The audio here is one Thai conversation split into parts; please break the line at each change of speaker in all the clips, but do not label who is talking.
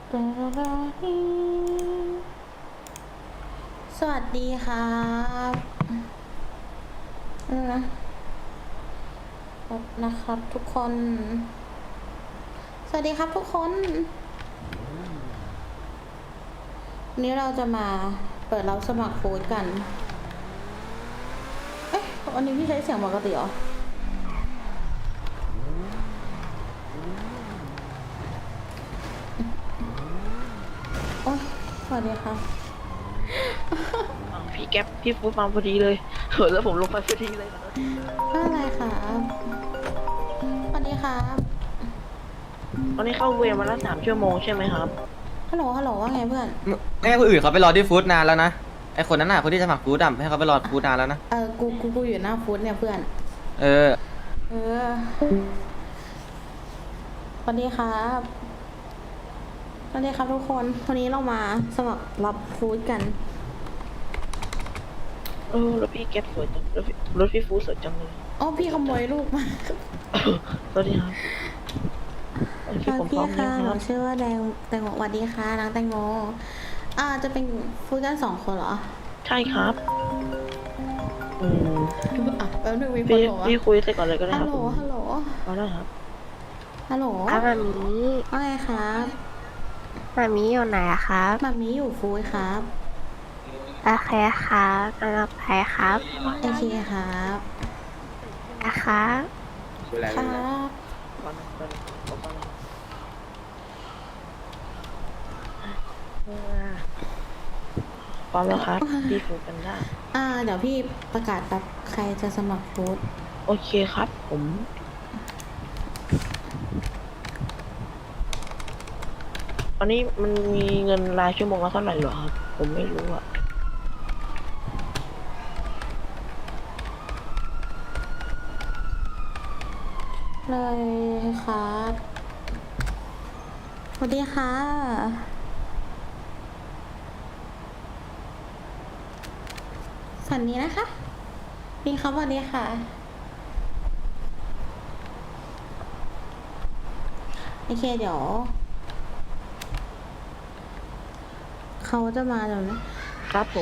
สวัสดีครับนะนะครับทุกคน สวัสดีครับทุกคนวันนี้เราจะมาเปิดรับสมัครฟู้ดกัน เอ๊ะวันนี้พี่ใช้เสียงปกติเหรอ โอ๊ยสวัสดีครับ
พี่แก๊ปพี่ฟูดมาพอดีเลยแล้วผมลงไปพอดีเลยครับ
ไม่เป็นไรครับสวัสดีครับ
ตอนนี้เข้าเวรมาแล้ว3 ชั่วโมงใช่ไหมครับ
ฮัลโหล ฮัลโหล ว่าไงเพื่อน
ไม่ให้คนอื่นเขาไปรอที่ฟู้ดนานแล้วนะไอคนนั้นน่ะคนที่จะสมัครฟู้ดอ่ะให้เขาไปรอฟู้ดนานแล้วนะ
กูอยู่หน้าฟู้ดเนี่ยเพื่อน
เออ
เออ สวัสดีครับ สวัสดีครับทุกคน วันนี้เรามาสมัครรับฟู้ดกัน
รถพี่แก๊ปสวยจังรถพี่ฟูดสวยจังเลย
อ๋อพี่ขโมยลูกมา
สวัสดีครับพี่ผมพ
พี่
ร้อม
ค่ะ
ยัง
ห
ค
นู
รับ
ชื่อว่าแดงแตงโมสวัสดีค่ะนางแตงโมจะเป็นฟู้ดกัน2 คนเหรอ
ใช่ครับ
แป๊บนึงมีคน
พี่
บอกว่า
พี่คุยเสร็จก่อนเลยก็ได้
ฮั
ค
ล
รับ
โหล ฮัลโหล
เอาได้ครับ
ฮัลโหล
ครับมามี
ว่าไงครับ
มามีอยู่ไหนอะครับ
มามีอยู่ฟู้ดครับ
โอเคครับกำลังไปครับ
โอเคครับ
นะครับ
ครับ
ก่อนนะก่อนนะเอาก่อนนะพร้อมแล้วครับพี่ฟูดกันได้
เดี๋ยวพี่ประกาศแบบใครจะสมัครฟู้ด
โอเคครับผมตอนนี้มันมีเงินรายชั่วโมงละเท่าไหร่เหรอครับผมไม่รู้อะ
เลยครับสวัสดีค่ะฝันนี้นะคะพี่ครับสวัสดีค่ะโอเคเดี๋ยวเขาจะมาเดี๋ยวนะครับ
ผม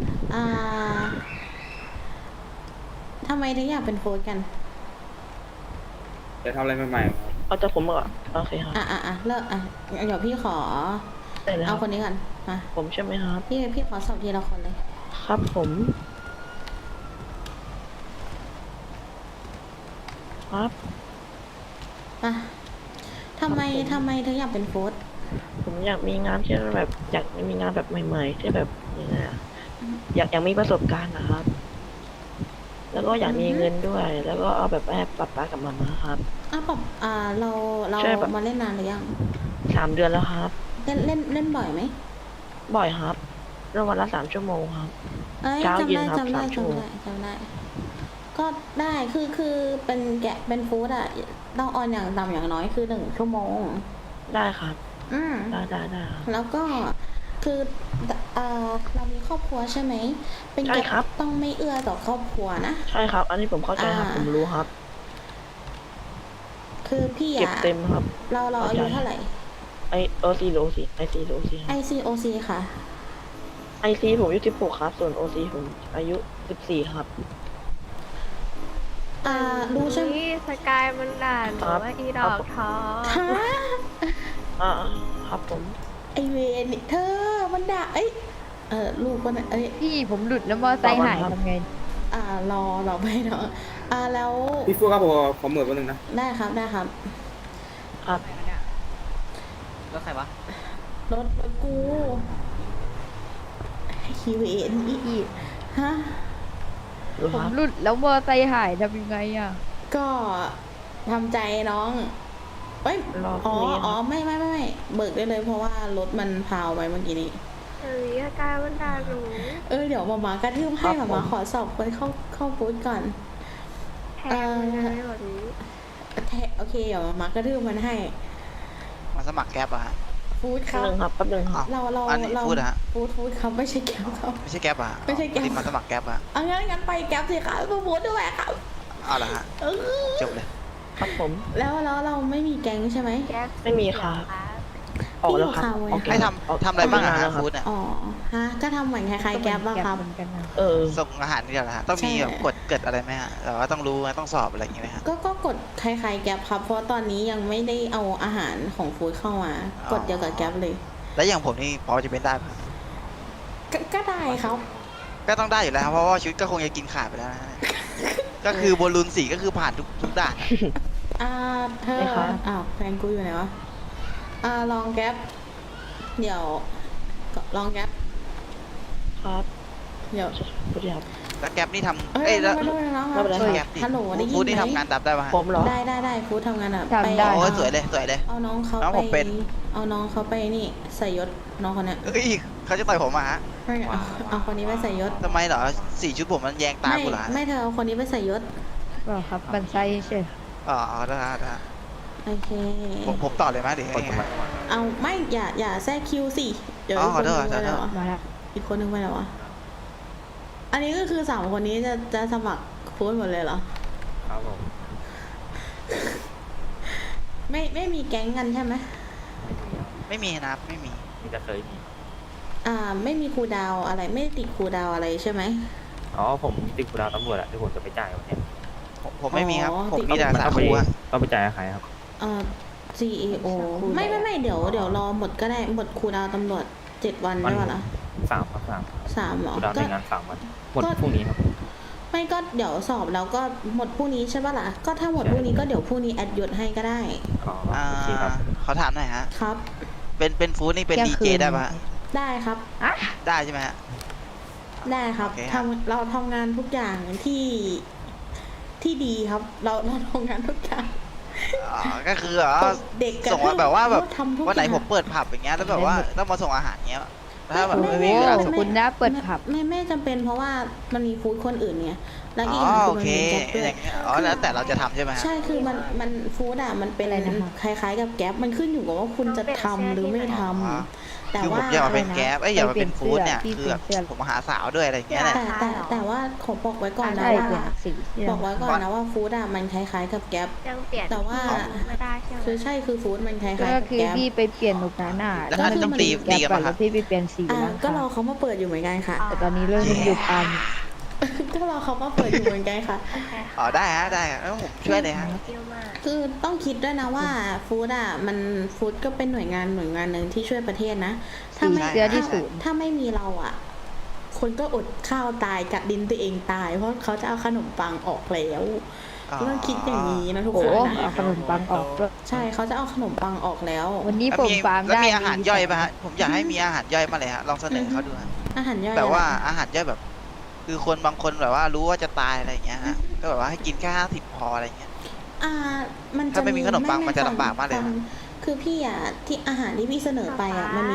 ทำไมถึงอยากเป็นโค้ชกัน
จะทำอะไรใหม่ๆครับ
เอาจากผมก่อนโอเคครับ
เลิกเดี๋ยวพี่ขอ
ได้แล้ว
เอาคนนี้ก่อนมา
ผมใช่ไหมครับ
พี่ขอสอบทีละคนเลย
ครับผมครับ
มาทำไมถึงอยากเป็นโค้ช
ผมอยากมีงานที่แบบอยากมีงานแบบใหม่ๆที่แบบยังไงอะอยากมีประสบการณ์นะครับ แล้วก็อยากมีเงินด้วย แล้วก็เอาแบบให้ป๊าป๊ากับมาม่าครับ
ปรับเรา
ใช่ปะ
มาเล่นนานหรือยัง
3 เดือนแล้วครับ
เล่นบ่อยไหม
บ่อยครับแล้ววันละ3 ชั่วโมงครับ
เอ้ย
เช้า
จำ
เย็น
ได้
ครับ
จำได้
3 ชั่วโมง
จำได้ ก็ได้คือเป็นเป็นฟู้ดต้องออนอย่างต่ำอย่างน้อยคือ1 ชั่วโมง
ได้ครับ
อืม
ได้ครับ
แล้วก็คือเรามีครอบครัวใช่ไหมเป็น
ใช่
แกะ
ครับ
ต้องไม่เอื้อต่อครอบครัวนะ
ใช่ครับ อันนี้ผมเข้าใจครับ ผมรู้ครับ
คือพี่
เก็บเต็มครับ
เราอายุเท่าไหร่
OC หรือ OC IC หรือ OC ครับ
ICOC ค่ะ
IC ผมอายุ16ครับ ส่วน OC ผมอายุ14ครับ
รู้ใช่ไหม
นี่สกายมันด่าหนูว่าอีดอกทอง
ฮะ
อ่าครับผม
ไอเวนนี่เธอมันด่าลูกคนน่ะ
พี่ผมหลุดแล้วมอไซค์หายทำไง
รอไปเนาะแล้ว
พี่ฟูครับผมขอเหมือนแป๊บนึงนะ
ได้ครับ
ครับ
แล้วใครวะ
รถกูฮีเวนอีฮะ
รู้
ผ
ค
ม
รับ
หลุดแล้วมอไซค์หายทำยังไงอ่ะ
ก็ทำใจน้องเอ้ย
รอพรุ่งนี้ครับ
ไม่เบิกได้เลยเพราะว่ารถมันพาวไปเมื่อกี้นี้
สกายมันด่าหนู
เดี๋ยวมากระทืบให้มาขอสอบคนเข้าบูธก่อน
แทงมันเลยแบบนี้
โอเคเดี๋ยวมากระทืบมันให้
มาสมัครแก๊ปอะฮะ
ฟู้ดค
แป๊
รั
บบ นึงครับแป๊บนึงครับ
เรา
อันนี้ฟู้ดเหรอฮะ
ฟู้ดครับไม่ใช่แก๊ปครับ
ไม่ใช่แก๊ปอะฮะ
ไม่ใช่แก๊ป
ติดมาสมัครแก๊ปอะ
งั้นไปแก๊ปสิครับฟู้ดด้วยครับ
เอาละฮะ
เออ
จบเลย
ครับผม
แล้วเราไม่มีแก๊งใช่ไหม
แก๊ป
ไม่มีครับ
ครับ
ออกแล้วครับ
พี่อยู่
ออก
ให้ทำอะไรบ้างอะฮะฟู้ดเนี่ย
อ๋อฮะก็ทำเหมือนคล้ายๆแก๊ปอะครับ
เหมือนกันนะ
เออ
ส่งอาหารนี่แหละฮะต้องมี
ใช่
แบบกฎเกิดอะไรไหมฮะแต่ว่าต้องรู้ไหมต้องสอบอะไรอย่างงี้ไหมฮะ
ก็กดคล้ายๆแก๊ปครับ เพราะตอนนี้ยังไม่ได้เอาอาหารของฟู้ดเข้ามา กดเดียวกับแก๊ปเลย
แล้วอย่างผมนี่พอจะเป็นได้ปะ
ก็ได้ครับ
ก็ต้องได้อยู่แล้วครับเพราะว่าชุดก็คงจะกินขาดไปแล้วนะฮะ ก็คือบอลลูนสีก็คือผ่านทุกด่านอะ
เธอ
ไม่ครับ
อ้าวแฟนกูอยู่ไหนวะลองแก๊ปเดี๋ยวลองแก๊ป
ครับ
เดี๋ยว
สวัสดีครับ
แล้วแก๊ปนี่ทำ
เอ้ย
เอ้ยแล้ว
ไม่ได้นะค
ไม่
รับ
เป็นไร
แก๊ปนี่
ฮัลโหลได้ยิน
ฟู้ดนี่
ไหม
ทำงานดับได้ปะฮะ
ผมเหรอ
ได้ฟู้ดทำงานอะ
ทำได้
โอ้ยสวยเลยสวยเลย
เอาน้องเขา
น้อง
ไป
ผมเป็น
เอาน้องเขาไปนี่ใส่ยศน้องคนเนี้ย
เอ้ยเขาจะต่อยผมมาฮะ
ไม่เอาคนนี้ไปใส่ยศ
ทำไมเหรอสีชุดผมมันแยงตากูเหรอฮะ
ไม่เธอเอาคนนี้ไปใส่ยศ
ก็ครับบันไซเฉย
อ๋อได้ได้
โอเค
ผมต่อเลยไหมหรือไงฮะ
เอาไม่อย่าแทรกคิวสิเดี๋ยว
อ๋อ
อีกคนนึง
ขอโทษ
ไปแล้ว
มาละ
อีกคนนึงไปแล้ววะอันนี้ก็คือ3คนนี้จะสมัครฟู้ดหมดเลยเหรอ
ครับผม
ไม่มีแก๊งกันใช่ไหม
ไม่มีนะครับไม่มี
มีแต่เคยมี
ไม่มีครูดาวอะไรไม่ติดครูดาวอะไรใช่ไหม
อ๋อผมติดกูดาวตำรวจอะที่ผมจะไปจ่ายวันเนี้ย
ผมไม่มีครับ
อ๋อ
ผมมีแต่สา
ต้องไป
คูฮะ
ต้องไปจ่ายกับใครครับ
CAO ไม่เดี๋ยวรอหมดก็ได้หมดครูดาวตำรวจ7 วันได้ปะล่ะ
3 ครับ
3เหรอ
กูดาว
ก็
ในงาน3 วันหมดพรุ่งนี้ครับ
ไม่ก็เดี๋ยวสอบแล้วก็หมดพรุ่งนี้ใช่ปะล่ะก็ถ้าหมดพรุ่งนี้ก็เดี๋ยวพรุ่งนี้แอดยศให้ก็ได้
อ๋อโอเคครับ
เขาถามหน่อยฮะ
ครับ
เป็นฟู้ดนี่เป็นดีเจได้ปะฮะ
ได้ครับ
ได้ใช่ไหมฮะ
ได้ครับ
โอเคครับ
เราทำงานทุกอย่างที่ดีครับ เราทำงานทุกอย่าง
อ๋อก็คือเหรอ
เด็กกระ
ส่งมาแบบว่าแบบ
ทำทุก
วันไหน
อย่าง
ผมเปิดผับอย่างเงี้ยแล้วแบบว่าต้องมาส่งอาหารเงี้ยถ้าแบบ
ไม่
ไม่มีเวลาส่ง
คุณน่าเปิดผับ
ไม่จำเป็นเพราะว่ามันมีฟู้ดคนอื่นเนี่ยแล้ว
อ๋
อี
อก
อย่าง
โอ
คือมัน
เค
เป็นแก๊ปด้ว
อย ย่างเงี้ยอ๋อแล้วแต่เราจะทำใช่ไหมฮะ
ใช่คือมันฟู้ดอ่ะมันเป็น
อะไรนะคะ
คล้ายๆกับแก๊ปมันขึ้นอยู่กับว่าคุณจะทำหรือไม่ทำ
อ๋อ
แต่
คือผ
ว่า
มอยากมาเป็น
อะไรนะ
แก๊ปอยากมาเป็นฟู้ดเนี่ย
พี่
คือแบบ
เปลี่ยน
ผมมาหาสาวด้วยอะไรอย่างเงี้ยแหละ
แต่ว่าขอบอกไว้ก่อนนะ
ได้
ว่า
เปลี่ยนสีเสื้อ
บอกไว้ก่อนนะว่าฟู้ดอ่ะมันคล้ายๆกับแก๊ป
ยังเปลี่ยน
แต่ว่า
ไม่ได้ใช่ไหม
คือฟู้ดมันคล้ายๆ
ก็
กับ
คือ
แก๊ป
พี่ไปเปลี่ยนหนุกหนาหน้า
แล้ว
ก็
ถ้า
คือ
ต้อง
มัน
ตี
แก
กัน
ก่อ
มาน ค
แล้
รับ
วพี่ไปเปลี่ยนสี
อ่า
แล้ว
ก็รอ
ค่ะ
เขามาเปิดอยู่เหมือนกันค่ะ
แต่ตอนนี้เริ่มอยู่ปั๊ม
ก็รอเขามาเปิดอยู่เหมือนกันค่ะ
โอเค
อ๋อได้ฮะได้ฮะแล้วผมช่วยเลยฮะ
เที่ยวมาก
คือต้องคิดด้วยนะว่าฟู้ดอ่ะมันฟู้ดก็เป็นหน่วยงานหนึ่งที่ช่วยประเทศนะถ้าไม่
สีเสื้อที่ศูนย์
ถ้าไม่มีเราอ่ะ คนก็อดข้าวตายกัดดินตัวเองตาย เพราะเขาจะเอาขนมปังออกแล้ว
อ๋อ
ต้องคิดอย่างนี้นะทุก
โอ้
คน
เอา
นะ
ขนมปังออกด้วย
ใช่เขาจะเอาขนมปังออกแล้ว
วันนี้
แล้ว
ผม
มี
ฟาร์ม
แล้ว
ได้
มีอาหารย่อยป่ะฮะผมอยากให้มีอาหารย่อยมาเลยฮะลองเสนอเขาดูฮะ
อาหารย่อย
แบบว่า
อะไร
อาหารย่อยแบบ คือคนบางคนแบบว่ารู้ว่าจะตายอะไรอย่างเงี้ยฮะก็แบบว่าให้กินแค่50 พออะไรเงี้ย
มันจะ
ถ้าไม่มีขนมปังมันจะลำบากมากเลยนะ
คือพี่อ่ะที่อาหารที่พี่เสนอไปอ่ะมันมี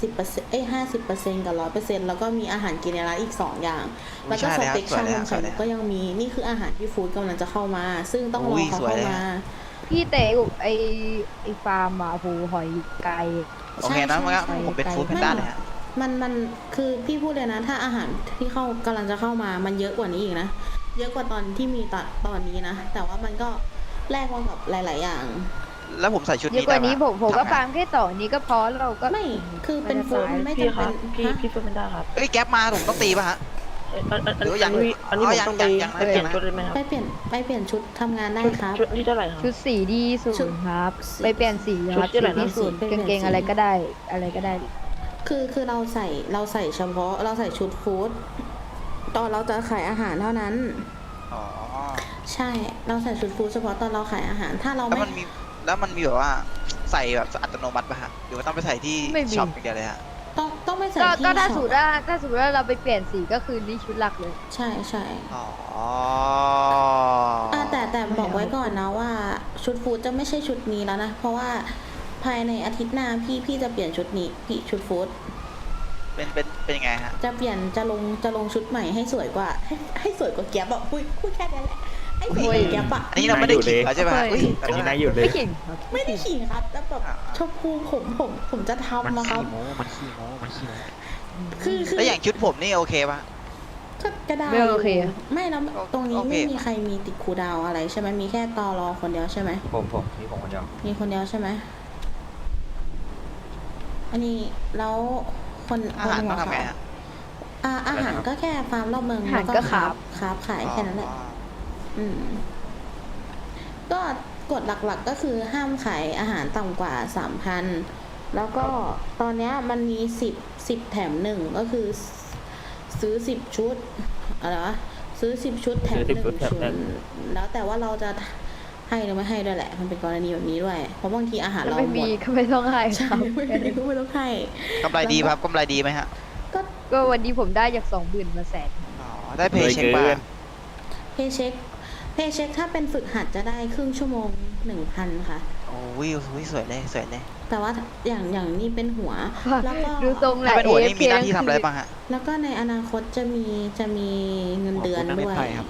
30%50%กับ100%แล้วก็มีอาหารกินในร้านอีก2อย่าง แล้วก็สเต็กชานมไข่มุกก็ยังมีนี่คืออาหารที่ฟู้ดกำลังจะเข้ามา ซึ่งต้องรอเขาเข้ามา
พี่เต๋ไอฟาร์มอ่ะโหหอยไก่
โอเคนะมันก็
ใช่
ผมเป็น
ใช่
ฟู้ดแพนด้าเลยฮะ
มันคือพี่พูดเลยนะ ถ้าอาหารที่กำลังจะเข้ามามันเยอะกว่านี้อีกนะ เยอะกว่าตอนที่มีตอนนี้นะ แต่ว่ามันก็แลกมากับหลาย ๆ อย่าง
แล้วผมใส่ชุด
เยอะ
นี้
กว่านี้
ได้ปะ
ผมก็
ทำไง
ฟาร์มแค่ต่อนี้ก็พอเราก็
ไม่คือเป็นฟู้ดไม่
พี่
จำ
ค
เป็
รั
น
บพี่
ฮะ
พี่พูดไม่ได้ครับ
เอ้ยแก๊ปมาผมต้องตีป่ะฮะ
อัน
หรือยัง
นี้อันนี้ผม
ยัง
ต้องไป
ยัง
เปลี่ยนชุดได้ไหมครับ
ไปเปลี่ยนชุดทำงานได้ครับ
ชุดที่เท่าไหร่ครับ
ชุดสีดีศูนย์ครับ ไปเปลี่ยนสีครับ
ชุดที่ไหนนะ
สีศูนย์
ไปเปลี่ยน
กางเกง
สี
อะไรก็ได้อะไรก็ได้
คือเราใส่เฉพาะเราใส่ชุดฟู้ดตอนเราจะขายอาหารเท่านั้น
อ๋อ
ใช่เราใส่ชุดฟู้ดเฉพาะตอนเราขายอาหาร ถ้าเรา
แล้ว
ไม่
มันมีแบบว่าใส่แบบอัตโนมัติป่ะฮะหรือว่าต้องไปใส่ที่
ไม่มี
ช็อปอย่างเดียวเลยฮะ
ต้องไม่ใส่
ก็
ที่
ก็ถ้า
ช็
สู
อ
ต
ป
รถ้าสมมติว่าเราไปเปลี่ยนสีก็คือนี่ชุดหลักเลย
ใช่ใช่
อ๋อ
แต่บอกไว้ก่อนนะว่าชุดฟู้ดจะไม่ใช่ชุดนี้แล้วนะ เพราะว่าภายในอาทิตย์หน้าพี่จะเปลี่ยนชุดนี้พี่ชุดฟู้ด
เป็นยังไงฮะ
จะลงชุดใหม่ให้สวยกว่า ให้สวยกว่าแก๊ปอะพูดแค่นั้นแหละให้สวยกว่าแก๊ปอะ
อันนี้เราไม่ได้ขิงแล้วใช่ไหมฮะ
เฮ้ย
อันนี้นายหยุดเลย
ไม่เก่งครับ
ไม่ได้ขิงครับแต่แบบชมพูผมจะทำนะครับ
มันขี้โม้
คือ
แล้วอย่างชุดผมนี่โอเคป่ะ
ก็ได้
ไม่โอเค
ไม่แล้วตรงนี้
โอเค
ไม่มีใครมีติดคูลดาวน์อะไรใช่ไหมมีแค่ตอรอคนเดียวใช่ไหม
ผมนี่ผมคนเดียว
มีคนเดียวใช่ไหมอันนี้แล้วคน
อาหาร
คน
ต้อง
หัว
ทำไง
ขาว
ฮะ
อาหารก็แค่ฟาร์มรอบเมือง
อาหาร
แล้ว
ก็
ค
ครั
รับ คราฟขายแค่นั้นแหละ อืม ก็กฎหลักๆก็คือห้ามขายอาหารต่ำกว่า 3,000 แล้วก็ตอนเนี้ยมันมี10แถม1ก็คือซื้อ10ชุดอะไรวะซื้อ10ชุดแถม
ซื้อ10ชุดแถม
1
หนึ่ง
แล้วแต่ว่าเราจะให้หรือไม่ให้ด้วยแหละ มันเป็นกรณีแบบนี้ด้วย เพราะบางทีอาหารเรา
ไม่
หม
มี
ด
ก็ไม่ต้องให้ค
ใช่
รับ
ไม่มีก็ไม่ต้องให้
กำไรดีครับกำไรดีไหมฮะ
ก็
ก็วันนี้ผมได้จาก20,000มาแสน
อ๋อได้เพย์เช็คบ้าง
เพย์เช็คถ้าเป็นฝึกหัดจะได้ครึ่งชั่วโมง 1,000 ค่ะ
โอ้วิวสวยเลยสวยเลย
แต่ว่าอย่างนี้เป็นหัว แล้วก็
ดูทรงแห
ถ้า
ละ
เป็นหัวนี่
AFK
มีหน้าที่ทำอะไรบ้างฮะ
แล้วก็ในอนาคตจะมีเงินเดือนด้วย
หัวคุณน่าเป็นไพ่ครับ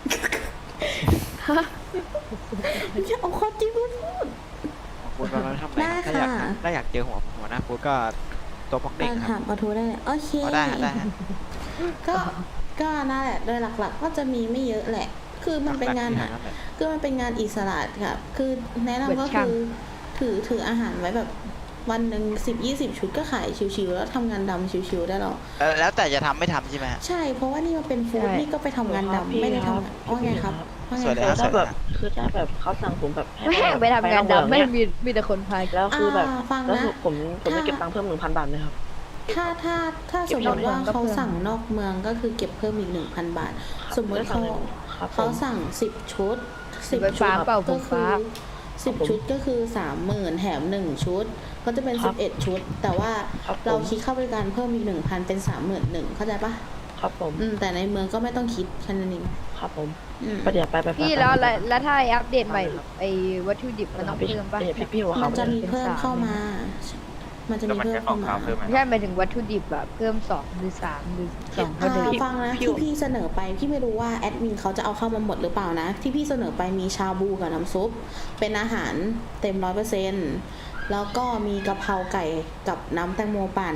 จะเอาข้อจริงมาพูด
คุณมาทำอะไรครับ
ได้
ถ้าอยาก
ค่ะ
เจอหัวหน้าฟูดก็ตัวพอกเด้งครับ
ถามปะทูได้เลยโอเค
อ๋อได้ฮะได้ฮะ
ก็นั่นแหละโดยหลักๆ ก็จะมีไม่เยอะแหละ คือมันเป็นงานอ่ะ คือมันเป็นงานอิสระค่ะ คือแนะนำก็คือถืออาหารไว้แบบวันหนึ่ง10-20 ชุดก็ขายชิวๆแล้วทำงานดำชิวๆได้หรอ
แล้วแต่จะทำไม่ทำใช่ไหมฮะ
ใช่ เพราะว่านี่มันเป็นฟู้ดนี่ก็ไปทำงานดำไม่ได้ทำงานว่าไงครับว่าไง
สวัสดี
ค
ครั
รับ บ
ถ้าแบบคือถ้าแบบเขาสั่งผมแบบให้
ไม่อยากไปทำงานดำไม่มีแต่คนพาย
แล้วคือแบบ
ฟัง
แล้ว
นะ
ผมจะเก็บตังค์เพิ่ม 1,000 บาทเลยครับ
ถ้าสมมติว่าเขาสั่งนอกเมืองก็คือเก็บเพิ่มอีก 1,000 บาท สมมติเขา
ครับผม
เขาสั่ง10 ชุด
ไฟ
10 ชุ
ฟ้า
ด
เปล่าผ
ก็
ม
คื
ฟ้า
อ10 ชุดก็คือ 30,000 แถม 1 ชุด ก็จะเป็น 11 ชุด แต่ว่า
ครับผม
เราคิดค่าบริการเพิ่มอีก 1,000 เป็น 31,000 เข้าใจปะ
ครับผม
แต่ในเมืองก็ไม่ต้องคิดแค่นั้นเอง
ครับผม
อืม
ไปเดี๋ยวไป
พี่แล้วถ้าอัปเดตใหม่ไอ้วัตถุดิบมันต้องเพิ่มป่ะ
พี่หัว
มั
เขา
นจะมีเพิ่มเข้ามา มันจะ
ก็
มี
มัน
เพิ่ม
แค่ขอ
เข้าง มา
ขาวเพิ่มไหม
ไม่ใช่หมายถึงวัตถุดิบอะเพิ่ม2หรือ3หรือ2เท่าเดิม
ฟังนะที่พี่เสนอไปพี่ไม่รู้ว่าแอดมินเขาจะเอาเข้ามาหมดหรือเปล่านะ ที่พี่เสนอไปมีชาบูกับน้ำซุป เป็นอาหารเต็ม100%แล้วก็มีกะเพราไก่กับน้ำแตงโมปั่น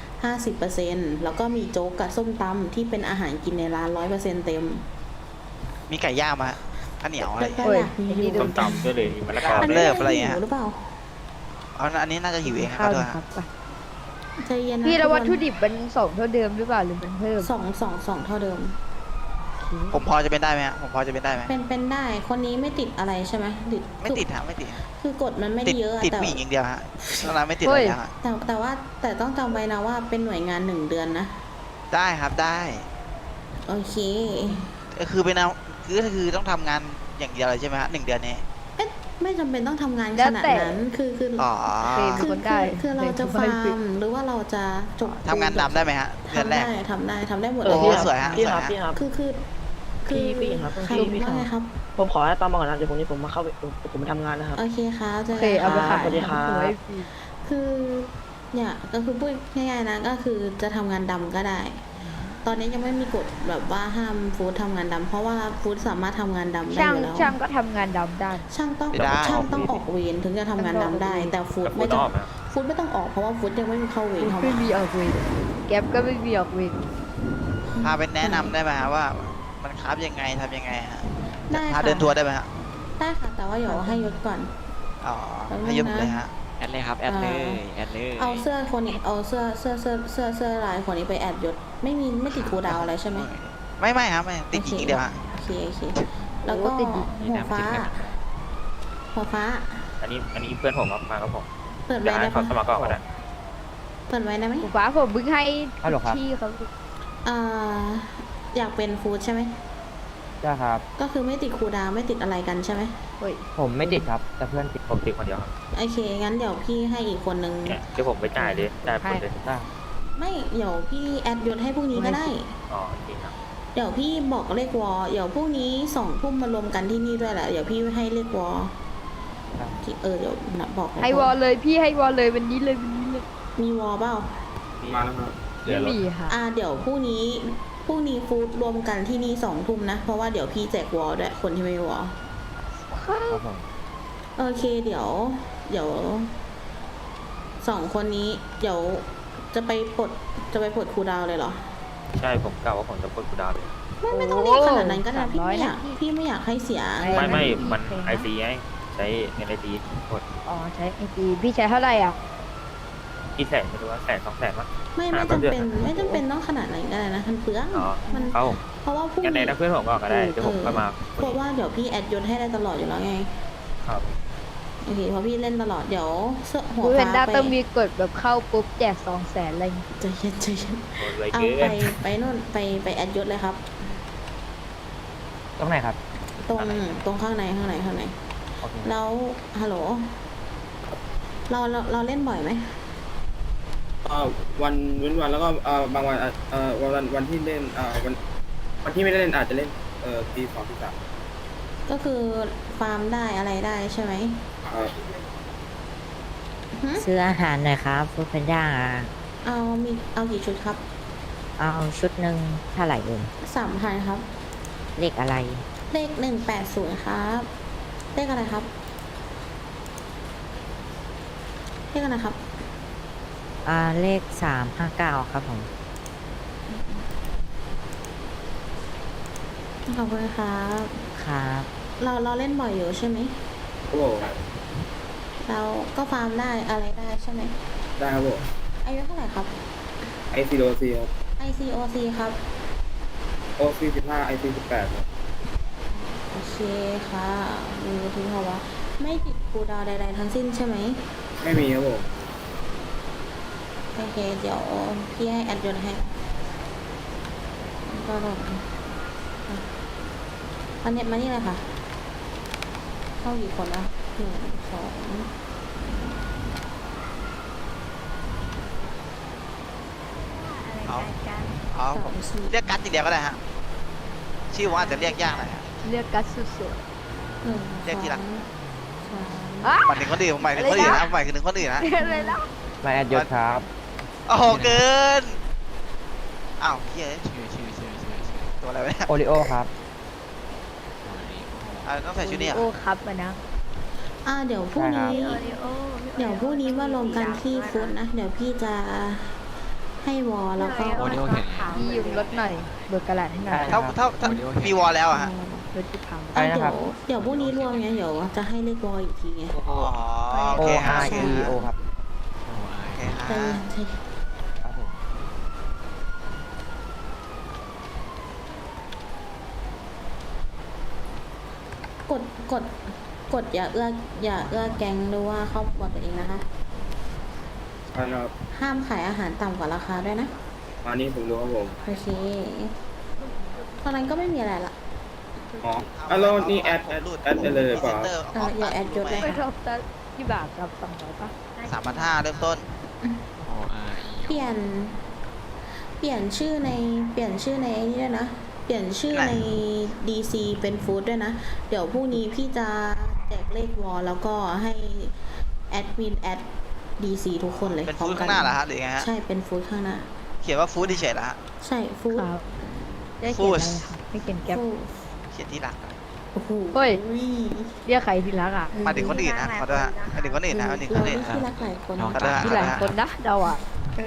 50%แล้วก็มีโจ๊กกับส้มตำที่เป็นอาหารกินในร้าน100%เต็ม
มีไก่ย่างมาข้าวเหนียวอะไร
แล้วก็
โอ้ย
อยากมีอยู่
ต้มตำด้วยเลยมะละกอ
อัน
ด้
นี้
วย
เลิกอะไรเงี้ย
หิวหรือเปล่า
อันนี้น่าจะหิวเองครับ
ข้าว
ด้วย
นะครับไป
ใจเย็นนะ
พี่แล้ววัตถุ
ทุก
ดิบมัน2เท่าเดิมหรือเปล่าหรือมันเพิ่ม
คนสองเท่าเดิม
ผมพอจะเป็นได้ไหมฮะผมพอจะเป็นได้ไหม
เป็นได้ คนนี้ไม่ติดอะไรใช่ไหมติด
ไม่ติดฮะไม่ติดฮะ
คือกฎมันไม่
ติ
ได้
ด
เยอะอะ
ติด
แต่
ผู้หญิงอย่างเดียวฮะตอนนั้นไม่ติดอะไรแล้วฮะ
แต่ต้องจำไว้นะว่าเป็นหน่วยงาน1 เดือนนะ
ได้ครับได้
โอเค
คือเป็นเอาคือต้องทำงานอย่างเดียวเลยใช่ไหมฮะ1 เดือนนี้
เอ๊ะไม่จำเป็นต้องทำงาน
แล้
ข
ว
นาด
แต่
นั้นคือ
อ๋อ
คนได้
คือเราจะฟาร์มหรือว่าเราจะจบ
ทำงานดำได้ไหมฮะเดือน
ทำ
แร
ได้
ก
ทำได้หมด
โอ้
เลย
สวยฮะ
พี่
สวย
ครับ
ฮะ
พี่ครับ
คือ
พี่ครับ
ครับ
พี่ครับ
ว่าไงครับ
ผมขอให้ตามมาก่อนนะเดี๋ยวผมมาเข้าไปผมมาทำงานนะครับ
โอเคครับเจ
โอ
อ
เค
กัน
เอาไป
ครั
ขาย
บ
สวัสดีครับ
เอาไว้ฟรี
คือเนี่ยก็คือพูดง่ายๆนะก็คือจะทำงานดำก็ได้ ตอนนี้ยังไม่มีกฎแบบว่าห้ามฟู้ดทำงานดำเพราะว่าฟู้ดสามารถทำงานดำได้
ช่าง
อยู่แล้ว
ช่างก็ทำงานดำได้
ช่างต้อง
ไม่ได้
ช่างต้องออกเวรถึงจะทำงานดำได้ แต่ฟู้ด
แต่ฟู
ไม่
ด
ต้
อ
อง
อกนะ
ฟู้ดไม่ต้องออกเพราะว่าฟู้ดยังไม่มีเข้าเวรเข้า
ไม่
มา
มีออกเวรแก๊ปก็ไม่มีออกเวร
พาไปแนะนำได้ไหมฮะว่า มันคราฟยังไงทำยังไงฮะ
ได้
พา
ค่ะ
เดินทัวร์ได้ไหมฮะ
ได้ค่ะแต่ว่าเดี๋ยวให้ยศก่อน
อ๋อ
แป๊บนึงนะ
ให้ยกเลยฮะ
แอดเลยครับ แอดเลยแอดเลย
เอาเสื้อคนนี้เอาเสื้อลายคนนี้ไปแอดยศไม่ติดครูดาวอะไรใช่ไหม
ไม่ครับไม่ติดหญิงอย่างเดียวฮะ
โอเคแล้วก็หัวฟ้า
อันนี้เพื่อนผมครับมาครับผม
เปิด
เดี๋ยว
ไว้
ให้
ได้
เขา
ปะ
สมัครก่อนก็ได้
เปิดไว้ได้ไหม
ผมฟ้าผมเพิ่งให้
ฮัลโหลครับ
ที่เขา
อยากเป็นฟู้ดใช่ไหม
ใช่ครับ
ก็คือไม่ติดครูดาวไม่ติดอะไรกันใช่ไหม
เฮ้ย
ผมไม่ติดครับ แต่เพื่อนติด
ผมติดคนเดียวครับ
โอเคงั้นเดี๋ยวพี่ให้อีกคนนึง
เนี่ยที่ผมไปจ่ายเลยจ่ายคนเลย
ได้
ไม่เดี๋ยวพี่แอดยศให้พรุ่งนี้ก็ได้
อ๋อโอเคครับ
เดี๋ยวพี่บอกเลขวอเดี๋ยวพรุ่งนี้2 ทุ่มมารวมกันที่นี่ด้วยแหละเดี๋ยวพี่ให้เลขวอที่เดี๋ยวนะบอก
ให้วอลเลยพี่ให้วอลเลยวันนี้เลยวันนี้เลย
มีวอเปล่า
มาแล้วครับ
ไม่มีค่ะ
เดี๋ยวพรุ่งนี้ฟู้ดรวมกันที่นี่2 ทุ่มนะเพราะว่าเดี๋ยวพี่แจกวอด้วยคนที่ไม่มีวอ
ครับผม
โอเคเดี๋ยว2 คนนี้เดี๋ยวจะไปปลดครูดาวเลยเหรอ
ใช่ผมกล่าวว่าผมจะปลดกูดาวเลย
ไม่ต้องเรียกขนาดนั้นก็ได้พี่ไม่อยากให้เสีย
ไม่มันไอซีไงใช้เงินไอซีกด
อ๋อใช้ไอจีพี่ใช้เท่าไหร่อ่ะ
กี่แสนไม่รู้ว่า100,000 200,000มั้ง
ไม่จำเป็นต้องขนาดไหนก็ได้นะมันเปลือง
อ๋อ
มัน
เอา
เพราะว่าพรุ่ง
กันไหน
นี้
นะเพื่อนผมบอกก็ได้เดี๋ยวผมก็มา
เพราะว่าเดี๋ยวพี่แอดยศให้ได้ตลอดอยู่แล้วไง
ครับ
โอเคเพราะพี่เล่นตลอดเดี๋ยวเสื้อหัว
กูเห็น
ฟ้า
ด้า
ไป
ต้องมีกฎแบบเข้าปุ๊บแจก200,000อะไรอย่างงี้
ใจเย็นใจเย็น
โดนเลย
เอา
เกิน
ไปนู่นไปแอดยศเลยครับ
ตรงไหนครับ
ตรงข้างใน
โอเค
แล้วฮัลโหลเราเล่นบ่อยไหม
วันเว้นวันแล้วก็บางวันวันที่เล่นวันที่ไม่ได้เล่นอาจจะเล่นตี 2 ตี 3
ก็คือฟาร์มได้อะไรได้ใช่ไหมหึ
ซื้ออาหารหน่อยครับฟู้ดแพนด้า
เอากี่ชุดครับ
เอาชุดหนึ่งเท่าไหร่เอ่ย
3,000ครับ
เลขอะไร
เลข180ครับเลขอะไรครับเลขอะไรครับ
เลข359ครับผม
ขอบคุณครับ
ครับ
เราเล่นบ่อยอยู่ใช่ไหม
โอ้โห
เราก็ฟาร์มได้อะไรได้ใช่ไหม
ได้ครับผม
อายุเท่าไหร่ครับ
ICOC ครับ
ICOC ครับ
OC 15 IC 18ครับ
โอเคค่ะดูทิ้งเขาว่าไม่ติดคูลดาวน์ใดๆทั้งสิ้นใช่ไหม
ไม่มีครับผม
โอเคเดี๋ยวพี่ให้แอดยนให้ก็ลงอันนี้มานี่เลยค่ะ เข้ากี่คนละ1 2
เอาผม
3 4
เรียกกัดทีเดียวก็ได้ฮะชื่อว่าอาจจะเรียกยากหน่อยฮะ
เรียกกัสสุด
1
เรียกทีหลัง
ๆอ่ะ
หมายถึงคนอื่นผมหมายถึงคนอื่นนะหมายถึงคนอื่นนะ
เรียกอะไรแล้ว
มาแอดยศครับ
โอ้โหเกินอ้าวเฮ้ยตัวอะไรวะเนี่ย
โอริโอครับ
ต้องใส่ชุดนี้เหร
โอ้
อ่ะ
ครับอะนะ
เดี๋ยวพรุ่งนี้
ใช่ครับ
เดี๋ยวพรุ่งนี้มารวมกันที่ฟุตนะ เดี๋ยวพี่จะให้วอลแล้วก็
พี่ยืมรถหน่อยเบิกกระดาษให้หน่อย
ได้
ถ้ามีวอลแล้วอะฮะ
รถที่พัง
ไปนะครับ
เดี๋ยวพรุ่งนี้รวมไงเดี๋ยวจะให้เลขวอลอีกทีไง
อ๋อโอ
O
เคฮะ
R E O ครับ
โอเค
ใจ
ฮะ
เย็นใจเย็น
ครับผม
กดอย่าเอื้อแก๊งหรือว่าครอบครัวตัวเองนะคะ
ใช่ครับ
ห้ามขายอาหารต่ำกว่าราคาด้วยนะ
อันนี้ผมรู้ครับผม
โอเคตอนนั้นก็ไม่มีอะไรละ
อ๋อแล้วนี่แอดเลยเปล่า
อย่าแอดยศเลย
ไป
ค่ะ
ทบตัดที่บาทกับ200ป่ะ
3,500เริ่มต้น
เปลี่ยนชื่อในไอ้นี่ด้วยนะ เปลี่ยนชื่อใน DC เป็นฟู้ดด้วยนะ เดี๋ยวพรุ่งนี้พี่จะแจกเลขวอลแล้วก็ให้แอดมินแอด DC ทุกคนเลย
เป็น
พร้อ
ฟู้
ม
ด
กั
ข้างหน้าเหรอฮะหรือไงฮะ
ใช่เป็นฟู้ดข้างหน้า
เขียนว่าฟู้ดเฉยๆเหรอฮะ
ใช่ฟู้ด
ครับได้เขียนอะไรครับไม่เขียนแก๊ป
ฟู้ด
เขียนที่หลัง
โอ้โห
เฮ้ย เรียกใครที่รักอ่ะ
มาถึงคนอื่นนะขอโทษฮะมาถึงคนอื่นนะมาถึงค
เรา
นอื่น
ได้ที่รักหลายคน
ขอโทษฮะ
ที่หลายคนนะเดาอ่ะ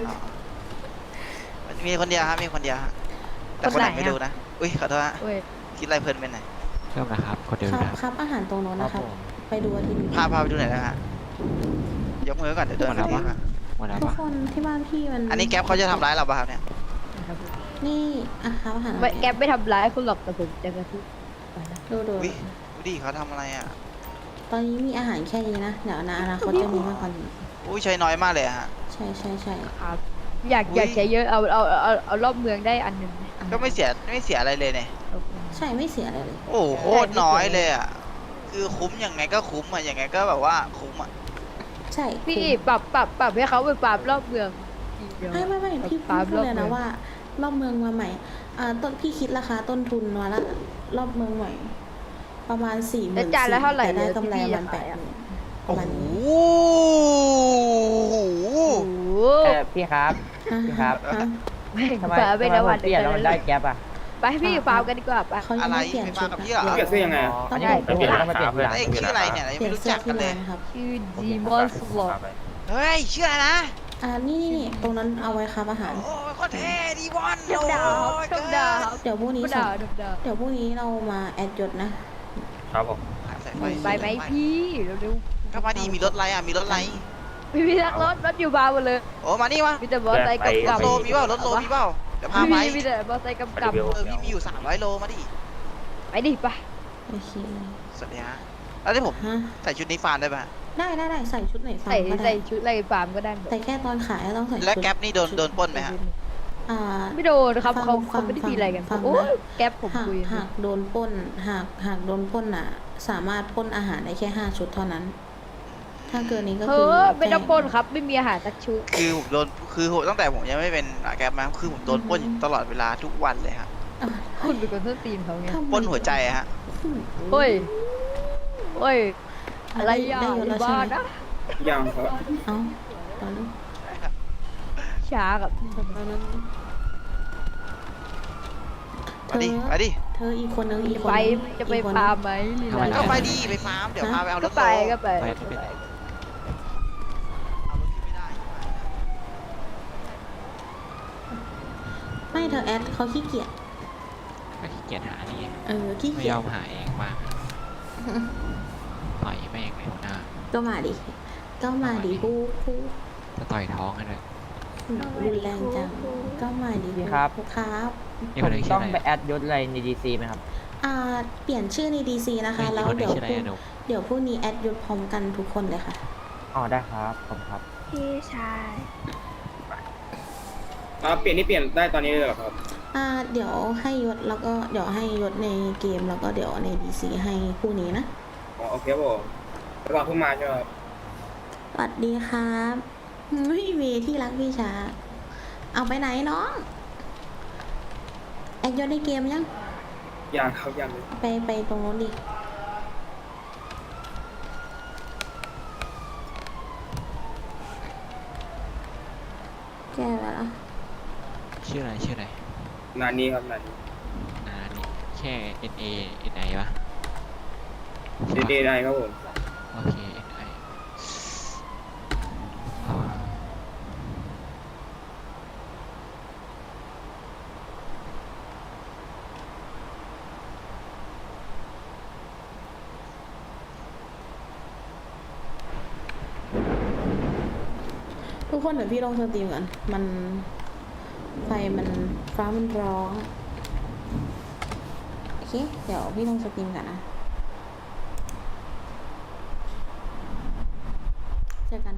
มีคนเดียวฮะมีคนเดียวฮะแต่คนไหนไม่รู้นะอุ้ยขอโทษฮะ
เว้ย
คิดอะไรเพลินไปไหนอย
เริ่มนะครับกดเดิม
ครับ
นะครับ
อาหารตรงโน้น
ครับ
นะครับ
ผม
ไปดูอาทิตย์นี้
พาไปดูหน่อยนะฮะยกมือก่อนเดี๋ยวเดินไปทีมา
หมดแล้ว
ทุก
ปะ
คนที่บ้านพี่มัน
อันนี้แก๊ปเขาจะทำร้ายเราป่ะครับเนี่ย
นี่ครับอาหาร
ไม่แก๊ปไม่ทำร้ายคุณหรอกแต่ผมจะกระทุบไปนะ
ดู
อุ้ยดูดิเขาทำอะไรอ่ะ
ตอนนี้มีอาหารแค่นี้นะเดี๋ยวในอนาคตจะมีมากกว่านี้
อุ้ยใช้น้อยมากเลยอะฮะ
ใช่
ครับ อยากใช้เยอะเอารอบเมืองได้อันหนึ่งไหม
ก็ไม่เสียอะไรเลยเนี่ย
ใช่ไม่เสียอะไรเลย
โอ้โหโคตรน้อยเลยอ่ะคือคุ้มยังไงก็คุ้มอ่ะยังไงก็แบบว่าคุ้มอ่ะ
ใช่
พี่ปรับให้เขาไปปรับรอบเมืองทีเดียว
ไม่พี่พูดเลยนะว่ารอบเมืองมาใหม่ต้นพี่คิดราคาต้นทุนมาละรอบเมืองใหม่ ประมาณ40,000
แล้วจานละเท่าไหร่
แต่ได้
เนี่ย
กำไร
ที่พี่
มัน
จะขายอะ
80,000ป
โอ้
ระมาณ
โห
นี้
โอ้โห
พี่ครับ พี่ครับ
ฮะ
ไม่
ทำไม
ฝา
ทำ
ไม่
ไม
ได้
ผ
วัน
มเปลี่ยนแล้วมันได้แก๊ปอ่ะ
ไปพี่ฟาร์มกันดีกว่าไป
เขายัง
อะไร
ไม่เปลี่ยน
ไม่
ชุ
มา
ด
กับ
นะ
พี่เหรอ
เปลี่ยนเสื้อยังไงอะ
อันนี้ผมเปลี่ยนแล้วมาเปลี่ยนทีหลัง
ไอ้ยชื่ออะไรเนี่ย
เปลี่ยน
ไม่รู้
เสื้อ
จักกั
ที่
นเลย
ร้านครับ
ชื่อดีมอนสวอป
เฮ้ยชื่ออะไรนะ
นี่ตรงนั้นเอาไว้ครับอาหาร
โอ้ยโคตรเท่ดีบอล
ชมดาว
โอ้ย
ชมดาว
เดี๋ยวพรุ่งนี้
ชมดาวชมดาว
เดี๋ยวพรุ่งนี้เรามาแอดยศนะ
ครับผม
ใส่
ไปไหมพี่เร็ว
ก็มาดีมีรถอะไรอ่ะมีรถอะไร
ม
ไม่มีทักรถอยู่บาร์หมดเลย
โอ้มานี่มา
มีแต่มอเตอร์ไซค์กับ
ร
กับ
ถโลมีเปล่ารถโลมีเปล่าเดี๋ยวพาไป
มีแต่มอเตอร์ไซค์กับ
มา
กับ
เดี๋ยว
พี่มีอยู่300 โลมาดิ
ไปดิไป
โอเค
สวัสดีฮะแล้วที่ผม
ฮะ
ใส่ชุดนี้ฟานได้ป่ะ
ได้ใส่ชุดไหนฟัง
ใส่
ก็
ใส่
ได้
ชุดอะไรฟาร์มก็ได้หมด
แต่แค่ตอนขายต้องใส่ชุด
แล้วแก๊ปนี่โดนปล้นไหมฮะ
อ่า
ไม่โดนครับ
ฟัง
เขา
ฟัง
ไม่ได้มีอะไรกัน
ฟังนะ
โอ้ยแก๊ปผม
หาก
คุย
หากโดนปล้นหากโดนปล้นอ่ะ สามารถปล้นอาหารได้แค่5 ชุดเท่านั้น ถ้าเกินนี้ก็
เอ
คือ
อไม่ต้อง
แจ้ง
ปล้นครับ ไม่มีอาหารสักชุด
คือผมโดนคือผมตั้งแต่ผมยังไม่เป็นแก๊ปมาคือผมโดนปล้นอยู่ตลอดเวลาทุกวันเลยฮะ
อ่ะ
คุณเป็นคนต้นตีนเขาไง
ทำไม
ปล้นหัวใจอะฮะ
เฮ้ยเฮ้ยอะไรอ่ะ
ได้ยศ
อ
แล้ว
ยู่
ใช่
บ้าน
ไหม
นะ
ยังครับ
เอ้าตอนนี้
ช้ากับ
ตอนนั้น
มาดิมาดิ
เธออีกคนนึงอีกคน
ไป
นึง
จะไป
อีกคน
ฟา
นึ
ร์
ง
มไหมลี
ทำไม
ลา
ก็ไปดิไปฟาร์มเดี๋ยวพาไปเอาร
ก็
ถ
ไป
โล
ก็ไป
ไปไม่เป็นไร
เอารถขึ้นไม่ได้
ไม่เธอแอดเขาขี้เกียจ
ก็ขี้เกียจหานี่
ขี้
ไม่
เกีย
ย
จ
อมหาเองมาต่อยแม่งเลยหัวหน้า
ก็มาดิผู้
จะต่อยท้องให้เลย
รุนแรงจังก็มาดิ
ครับ
ครับ
นี่คนนี้ชื่
ต้
อ
อง
อะไร
ไปแอดยศอะไรในดีซีไหมครับ
เปลี่ยนชื่อใน DC นะคะ
นี่
แล้ว
คนนี้
เดี๋ยว
ชื่ออะไรอะหนู
เดี๋ยวพรุ่งนี้แอดยศพร้อมกันทุกคนเลยค่ะ
อ๋อได้ครับผมครับ
พี่ชาย
เปลี่ยนนี่เปลี่ยนได้ตอนนี้เลยเหรอครับ
เดี๋ยวให้ยศแล้วก็เดี๋ยวให้ยศในเกมแล้วก็เดี๋ยวใน DC ให้พรุ่งนี้นะ
อ๋อโอเคครับผมแล้วก่อนเพิ่งมาใช่ไหมครับ
สวัสดีครับเมย์ที่รักพี่ชาเอาไปไหนน้องแอดยศในเกมยัง
ยังครับยังเลย
ไปตรงโน้นดิแก้ไปแล้ว
ชื่ออะไรชื่ออะไร
นานนี้ครับนานนี้
นี่แค่ NA NI ปะ
เดย์ได้ครับผม
โอเค NI
ทุกคนเดี๋ยวพี่ลงสตรีมก่อนมันไฟมันฟ้ามันร้องโอเคเดี๋ยวพี่ลงสตรีมก่อนนะเจอกัน